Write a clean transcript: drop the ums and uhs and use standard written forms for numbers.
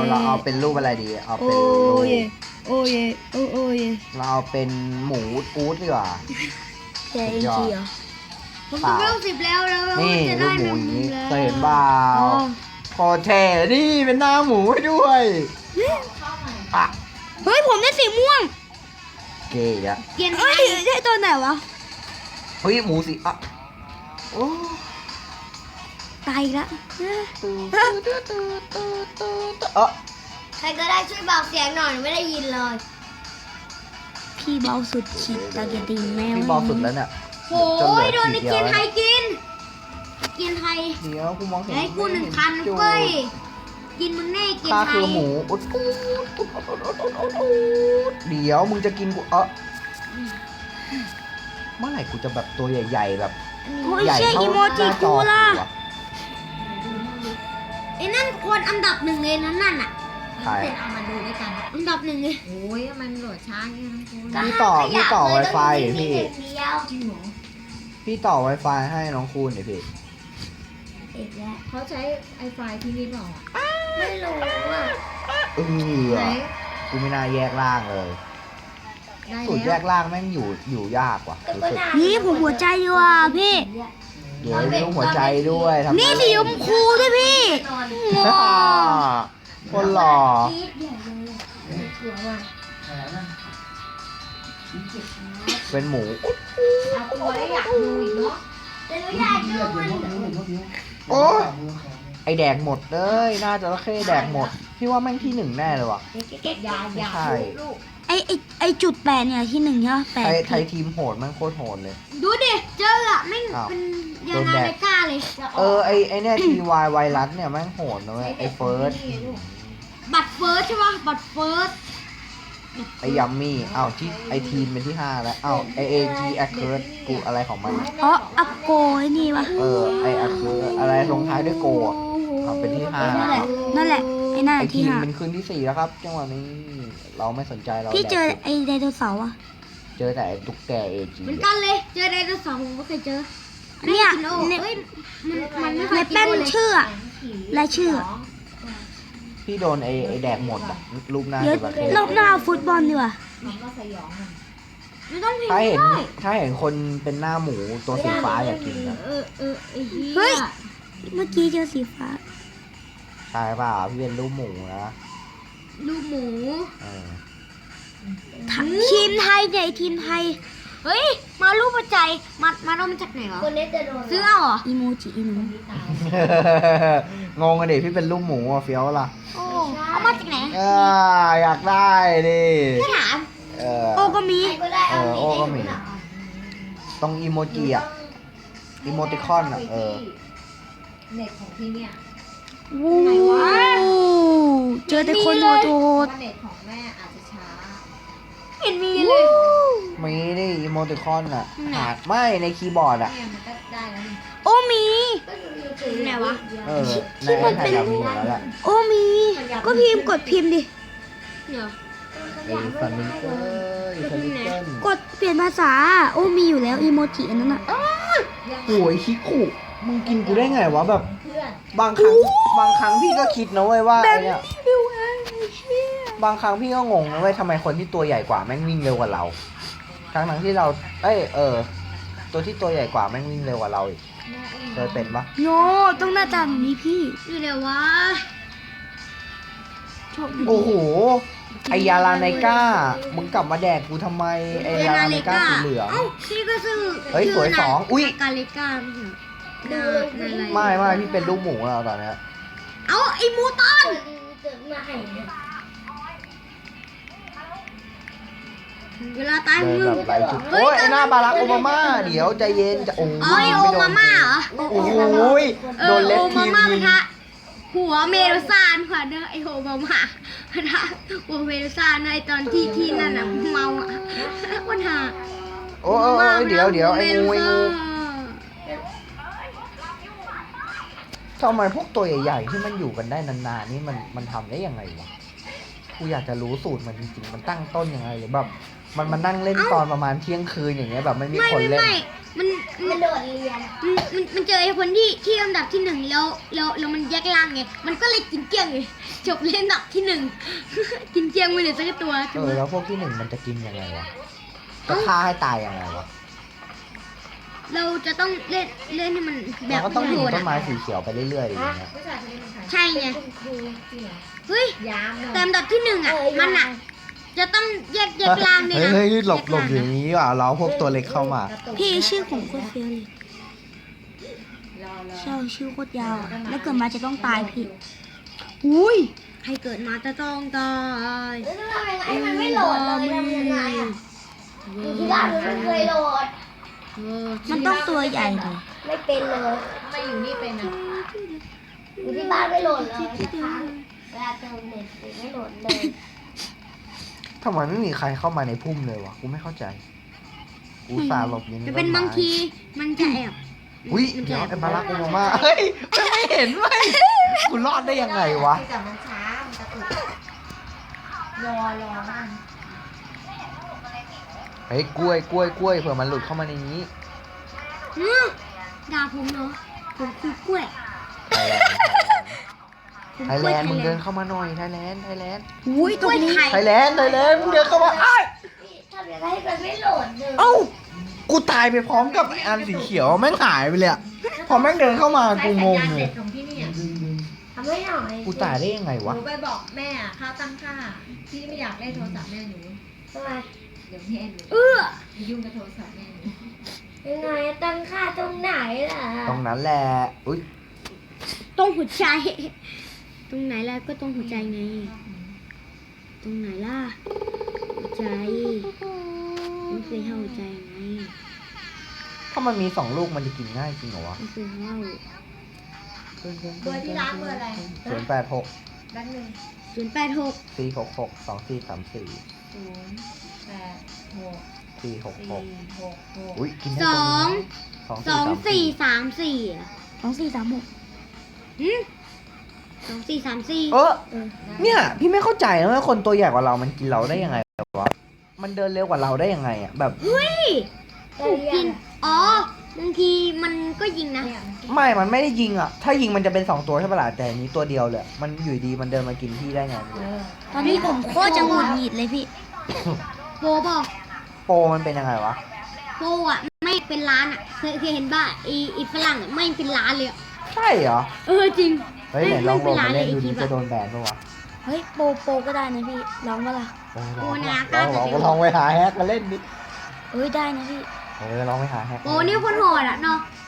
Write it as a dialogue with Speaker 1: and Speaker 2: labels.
Speaker 1: เราเอาเป็นรูปอะไรดีเอาเป็นรูป
Speaker 2: โอ้ยโอ้ย
Speaker 1: เราเอาเป็นหมูอู๊ดดีกว่า
Speaker 2: แกเองจีเหรอ
Speaker 3: ผมจะเริ่ม10แล้วแล้ว
Speaker 1: นี่
Speaker 3: จะ
Speaker 1: รู
Speaker 3: ได้
Speaker 1: ปหมู
Speaker 3: แมง
Speaker 1: อย่าง
Speaker 3: มุ
Speaker 1: นี้
Speaker 3: มแล้ว
Speaker 1: เคยเห็นเปล่า
Speaker 2: อ๋อ
Speaker 1: โคตรเท่นี่เป็นหน้าหมูให้ด้วยอ่ะ
Speaker 2: เฮ้ยผมได้สีม่วง
Speaker 1: เก๋อะ
Speaker 3: เกียนไท
Speaker 2: เฮ้ย
Speaker 3: ย
Speaker 2: ได้ตัวไหนวะ
Speaker 1: เฮ้ยหมูสิอ่ะโอ้
Speaker 2: ตายอีกแล้ว
Speaker 1: เออ
Speaker 3: ใครก็ได้ช่วยเบาเสียงหน่อยไม่ได้ยินเลย
Speaker 2: พี่เบาสุดขีดตาเกียติงแมว
Speaker 1: พี่บอกสุดแล้วเนี่ย
Speaker 3: โอ้ยโดนในเกียนไทยกิน เกียนไทย
Speaker 1: เดี๋ยวกูมองเห็น
Speaker 3: ให้กู1,000เฟ้ยกินมึงแน่เกียน
Speaker 1: ข้า
Speaker 3: ไท
Speaker 1: คื
Speaker 3: ย
Speaker 1: อหมูอุดเดี๋ยวมึงจะกินกูเมื่อไหร่กูจะแบบตัวใหญ่ๆแบบ
Speaker 2: โอ้ย
Speaker 1: ใหญ่
Speaker 2: เชี่ย
Speaker 1: เท่า
Speaker 2: อีโม
Speaker 1: ห
Speaker 2: จิ
Speaker 1: น้าจ
Speaker 2: กู
Speaker 1: อ
Speaker 2: ล่ะ
Speaker 1: กูอะ
Speaker 3: ไอ้นั่นคนอันดับ1เลยนั่นน่ะ
Speaker 1: ใคร
Speaker 4: เสร็จเอามาดูด้วยกัน
Speaker 3: อันดับ1เลย
Speaker 4: โอ้ยมันโหลดช้าอย่างนี้นะคุณ
Speaker 1: พี่ต่อ Wi-Fi พี่
Speaker 4: จริงเหรอ
Speaker 1: พี่ต่อ Wi-Fi ให้น้องคูณหน่อยพี่
Speaker 3: อีกแล้ว
Speaker 4: เขาใช้ไอไฟที่นี่เปล่าอ่ะ
Speaker 3: ไม่รู้อ่ะ
Speaker 4: ไหน
Speaker 1: กูไม่น่าแยกล่างเลย
Speaker 4: ได้
Speaker 1: สูตรแย
Speaker 4: แล้ว
Speaker 1: กล่างแม่งอยู่ยากว่ะรู้สึก
Speaker 2: นี่ผมหัวใจอยู่อ่ะพี่
Speaker 1: เดี๋ยวมีรูปหัวใจด้วยทำ
Speaker 2: นี่สีชมพูด้วยพี่
Speaker 1: คนหล่อ
Speaker 3: จี๊ดใหญ่เลยเกือบว่ะ
Speaker 1: เป็นหมู
Speaker 4: เอาตัวได้อยากดูอีกเนาะ
Speaker 3: แต่หนูอยากดูมัน
Speaker 1: โอ้ไอแดกหมดเลยน่าจะระเข้แดกหมด พี่ว่าแม่งที่หนึ่งแน่เลยว่ะ
Speaker 4: อยาก
Speaker 1: ใช่
Speaker 4: ลูก
Speaker 2: ไอจุดแปดเนี่ยที่หนึ่งใช่ไหมแปด
Speaker 1: ไทยทีมโหดแม่งโคตรโหดเลย
Speaker 3: ดูดิเจออะไม่ง
Speaker 1: อ้าว
Speaker 3: เป็นยานาเลก้าเลย
Speaker 1: ไอเนี่ยทีวายไวรัสเนี่ยแม่งโหดนะเว้ยไอเฟิร์ส
Speaker 3: บัตรเฟิร์สใช่ปะบัตรเฟิร์ส
Speaker 1: ไอยัมมี่อ้าวที่ไอทีมเป็นที่5แล้วอ้าวไอเอจีแอคเคิร์ดกูอะไรของมัน
Speaker 2: อ๋ออัปโกไอ้นี่วะ
Speaker 1: ไอแอคเคิร์ดอะไรลงท้ายด้วยโกอ่ะเอาเป็นที่5
Speaker 2: นั่นแหละนั่นแหละไอ้นั่น
Speaker 1: ไอ
Speaker 2: ที่
Speaker 1: ทีม
Speaker 2: ห้า
Speaker 1: เป็นคืนที่ 4แล้วครับจังหวะนี้เราไม่สนใจเรา
Speaker 2: พี่เจอ
Speaker 1: แดก
Speaker 2: ไอไดโนเสาร์อ่ะ
Speaker 1: เจอแต่ไอ้ตุ๊กแกเอจี
Speaker 3: เหมือนกันเลยเจอไดโนเสาร์ผมก็เคยเจอ
Speaker 2: เนี่ย
Speaker 3: กินโอ
Speaker 2: ใน
Speaker 3: เอ้ยมันไม่เค
Speaker 2: ใน
Speaker 3: ยกิน
Speaker 2: แป้น
Speaker 3: โอเลย
Speaker 2: ชื่ออะรายชื่ออะ
Speaker 1: พี่โดนไอแดกหมดอ่ะรูปหน้า
Speaker 2: เดี๋ยว
Speaker 1: จะแบบ
Speaker 2: รอบหน้าเอาฟุตบอลดีกว่า
Speaker 4: มันก็สยองมัน
Speaker 3: ไม่ต้องพิม
Speaker 1: ถ้า
Speaker 3: พ์
Speaker 1: เห็น
Speaker 3: ได้
Speaker 1: ถ้าเห็นคนเป็นหน้าหมูตัวสีฟ้าอยากกินนะ
Speaker 3: ไอ้เหี้
Speaker 2: เฮ้ย
Speaker 3: ย
Speaker 2: เมื่อกี้เจอสีฟ้า
Speaker 1: ใช่เปล่าพี่เป็นรูปหมูนะ
Speaker 3: ลูกหมู
Speaker 1: เออ
Speaker 2: ทีมไทยเนี่ยทีมไทย
Speaker 3: เฮ้ยมารูปหัวใจมาเอามาจากไหนเหรอ
Speaker 4: คนนี้จะโดน
Speaker 3: ซื้อเอาเหรอ
Speaker 2: อีโมจิอีหนู
Speaker 4: ที่ตาย
Speaker 1: งงกันดิพี่เป็นรูปหมูอ่ะเฟี้ยวล่ะ
Speaker 3: โอ้เอามาจากไหน
Speaker 1: อยากได้ดิ
Speaker 3: ไม่ถาม
Speaker 1: เออ
Speaker 2: โอก็มี
Speaker 3: ใครก็ได้เอา
Speaker 1: โอ้ก็มี ต้องอีโมจิอ่ะอีโมติคอนอ่ะ
Speaker 4: เน็ตของที่เนี่ย
Speaker 2: วู้เจอแต่คนโหด
Speaker 4: ว่าเน็ตของแม่อาจจะช้า
Speaker 3: เห็นมีเลย
Speaker 1: มีดิอีโมติคอนอ่ะหาไม่ในคีย์บอร์ดอ่ะ
Speaker 4: เนี่ยมันก็ได้แล้วนี่
Speaker 2: โอมี
Speaker 3: ไหนวะ
Speaker 1: เออในไอแพดเรามีหมดแล้วแหละ
Speaker 2: โอมี ก็พิมพ์กดพิมพ์ดิ
Speaker 3: เดี๋ยว
Speaker 1: ไอ้ฟันมิเกอร์ฟันมิเกอร์
Speaker 2: กดเปลี่ยนภาษา โอมีอยู่แล้วอีโมจิอันนั้นอ่ะ
Speaker 1: โอ้ยคิคุมึงกินกูได้ไงวะแบบ
Speaker 4: เพื่อน
Speaker 1: บางครั้งพี่ก็คิดนะเว้ยว่าไอเนี่ยบางครั้งพี่ก็งงนะเว้ยทำไมคนที่ตัวใหญ่กว่าแม่งวิ่งเร็วกว่าเราทั้งที่เราตัวที่ตัวใหญ่กว่าแม่งวิ่งเร็วกว่าเราอีกเคยเป็นปะ
Speaker 2: โนต้องหน้าตาแบบนี้พี่
Speaker 3: อยู่ไหนวะ
Speaker 2: โชคดี
Speaker 1: โอ้โหไอยาลาไนก้ามึงกลับมาแดกกูทำไมไอยาลาไนก้าสีเหลือง
Speaker 3: เอ้าพี่ก็ซื้อ
Speaker 1: เฮ้ยสวยสองอุ๊ย
Speaker 3: กาเลก้าไม่ใช่เหรอนาอะไร
Speaker 1: ไม่พี่เป็นลูกหมูแล้วตอนเนี้ย
Speaker 3: เอ้าไอ้มูตันเวลาตาย
Speaker 1: เดิน
Speaker 3: มึง
Speaker 1: แบบไร้จุดโอ้ยไอหน้าบารักโอบามาเดี๋ยวใจเย็นจะโอ้
Speaker 3: อ๋อไอโอมาม่าเหรอ
Speaker 1: โอ้โหโดนเล็บ
Speaker 3: โอ
Speaker 1: ที
Speaker 3: มาม่า
Speaker 1: ยิ
Speaker 3: ปะ
Speaker 1: ง
Speaker 3: ทะหัวเมรุซานค่ะเนอะไอโอมาม่าปะทะหัวเมรุซานในตอนที่นั่นน่ะเมาอ่ะวันหา
Speaker 1: โอ้ยเดี๋ยวไอ้งูทำไมพวกตัวใหญ่ๆที่มันอยู่กันได้นานๆนี่มันทำได้ยังไงวะกูอยากจะรู้สูตรมันจริงๆมันตั้งต้นยังไงหรือแบบมันมานั่งเล่นตอนประมาณเที่ยงคืนอย่างเงี้ยแบบไม่มีคนเล่น
Speaker 3: มันโดดเรียนมันเจอไอ้คนที่อันดับที่หนึ่งแล้วมันแยกล่างไงมันก็เลยกินเกลี้ยงเลยจบเล่นอันดับที่หนึ่ง กินเกลี้ยงไปเลยสักตัว
Speaker 1: แล้วพวกที่หนึ่งมันจะกินยังไงวะจะฆ่าให้ตายยังไงวะ
Speaker 3: เราจะต้องเล่นให้มันแบ
Speaker 1: เรา
Speaker 3: บ
Speaker 1: ก็ต้องยิง
Speaker 3: โหด
Speaker 1: ต้นไม้
Speaker 3: อ่ะ
Speaker 1: สีเขียวไปเรื่อยๆอย่างเงี้ย
Speaker 4: ผู้ชายคนนี้เป็นใคร
Speaker 3: ใช่ไง
Speaker 4: เป็นคุณครูจริงเหรอ
Speaker 3: เฮ้ย
Speaker 4: ยามเลย
Speaker 3: แต่อันดับที่หนึ่งอ่ะมันอ่ะจะต้องแยกล่างด้วยนะ
Speaker 1: เฮ้ยหลบ
Speaker 3: แยก
Speaker 1: อ
Speaker 3: ล่าง
Speaker 1: ย่างนี้ว่ะเราพวกตัวเล็กเข้ามา
Speaker 2: พี่ชื่อผมโคตรเฟี้ยวเลย
Speaker 4: รอ
Speaker 2: ใช่ชื่อโคตรยาวอะแล้วเกิดมาจะต้องตายพี่ อุ้ย
Speaker 3: ใครเกิดมาจะต้องตาย
Speaker 5: แล้วทำยังไงมันไม่โหลดเลยทำยังไงอ่ะอยู่ที่บ้านมันไม่เคยโหลด
Speaker 2: มันต้องตัวใหญ่เลย
Speaker 5: ไม่เป็นเลย
Speaker 4: ทำไมอยู่นี่เป็นอ่ะ
Speaker 5: อยู่ที่บ้านไม่โหลดเลยนะคะเวลาเติมเน็ตไม่โหลดเลย
Speaker 1: ทำไมไม่มีใครเข้ามาในพุ่มเลยวะกูไม่เข้าใจกูสาห์หลบอยู่ใน
Speaker 3: จะ
Speaker 1: ต้
Speaker 3: เป็น
Speaker 1: นไม้
Speaker 3: บางทีมันจะแอบ
Speaker 1: อุ้ย
Speaker 3: มันจะ
Speaker 1: เดี๋ยว
Speaker 3: แอบ
Speaker 1: ไอ้บารักโอบามาเฮ้ยไม่เห็นเว้ยกูรอดได้ยังไงวะ
Speaker 4: แต่มันช้ามันกระตุกรอมัน
Speaker 1: เฮ้ยกล้วยเผื่อมันหลุดเข้ามาในนี้
Speaker 3: อืมด่าผมเนาะผมคือกล้วย
Speaker 1: ไทยแลนด์มึงเดินเข้ามาหน่อยไทยแลนด์
Speaker 2: อุ้ยตรงนี้
Speaker 3: ไข่
Speaker 1: ไทยแลนด์มึงเดินเข้ามาอ้าย
Speaker 5: ทำยังไงให้มันไม่โหลดเลย
Speaker 1: เอ้ากูตายไปพร้อมกับไอ้อันสีเขียวแม่งหายไปเลยอะพอแม่งเดินเข้ามากูงงเลย
Speaker 4: เด็ดของพี่เนี่ย
Speaker 5: ทำให้หน่อย
Speaker 1: กูตายได้ยังไง
Speaker 4: ห
Speaker 1: วะ
Speaker 4: นูไปบอกแม่ค่าตั้งค่าพี่ไม่อยากเล่นโทรศัพท์แม่หนู
Speaker 5: ทำไม
Speaker 4: เดี๋ยวแม่หนู
Speaker 3: เออ
Speaker 4: ไปยุ่งกับโทรศัพท์แม่หนู
Speaker 5: ยังไงตั้งค่าตรงไหนล่ะ
Speaker 1: ตรงนั้นแหละอุ้ย
Speaker 3: ตรงหัวใจ ตรงไหนล่ะก็ตรงหัวใจไง ตรงไหนล่ะหัวใจไม่เคยเข้าหัวใจไง
Speaker 1: ถ้ามันมี2 ลูกมันจะกินง่ายจริงเหรอวะ
Speaker 3: ไม่เคยเข้า
Speaker 4: เบอร์ที่ร้านเบอร์อะไร
Speaker 1: 086
Speaker 4: แบงค์หนึ่ง
Speaker 3: 086
Speaker 1: 466 2434
Speaker 4: 086
Speaker 1: 466
Speaker 4: 466
Speaker 1: อุ้ยกินได้
Speaker 3: ส
Speaker 1: ตัว
Speaker 3: อง
Speaker 1: นึง
Speaker 3: 2434
Speaker 2: 2436
Speaker 3: หืม2434
Speaker 1: เออเนี่ยพี่ไม่เข้าใจนะว่าคนตัวใหญ่กว่าเรามันกินเราได้ยังไงวะมันเดินเร็วกว่าเราได้ยังไงอ่ะแบบ
Speaker 3: ถูกกิน อ๋อบางทีมันก็ยิงนะ
Speaker 4: เนี่ย
Speaker 1: ไม่มันไม่ได้ยิงอ่ะถ้ายิงมันจะเป็น2 ตัวใช่ปะล่ะแต่อันนี้ตัวเดียวเลยมันอยู่ดีมันเดินมากินพี่ได้ไงไม่รู้
Speaker 2: ตอนนี้ผมโคตรจะหงุดหงิดเลยพี่
Speaker 3: โปบอก
Speaker 1: โปรมันเป็นยังไงวะ
Speaker 3: โปอ่ะ ไม่เป็นร้านอ่ะ เคยเห็นป่ะอีฝรั่งอ่ะ ไม่เป็นร้านเลยอะ
Speaker 1: ใช่เหรอ
Speaker 3: เออจริง
Speaker 1: เฮ้ยไหนลองโหลดมาเล่นดู
Speaker 3: ไ
Speaker 1: ดิจะโดนแบนปะวะ
Speaker 2: เฮ้ยโปก็ได้นะพี่ลองมาล่ะ
Speaker 1: ลองไปหาแฮกมาเล่นดิ
Speaker 2: เอ้ยได้นะพี่
Speaker 1: ลองไปหาแฮก
Speaker 3: โปนี่คนโหดอ่ะเนาะ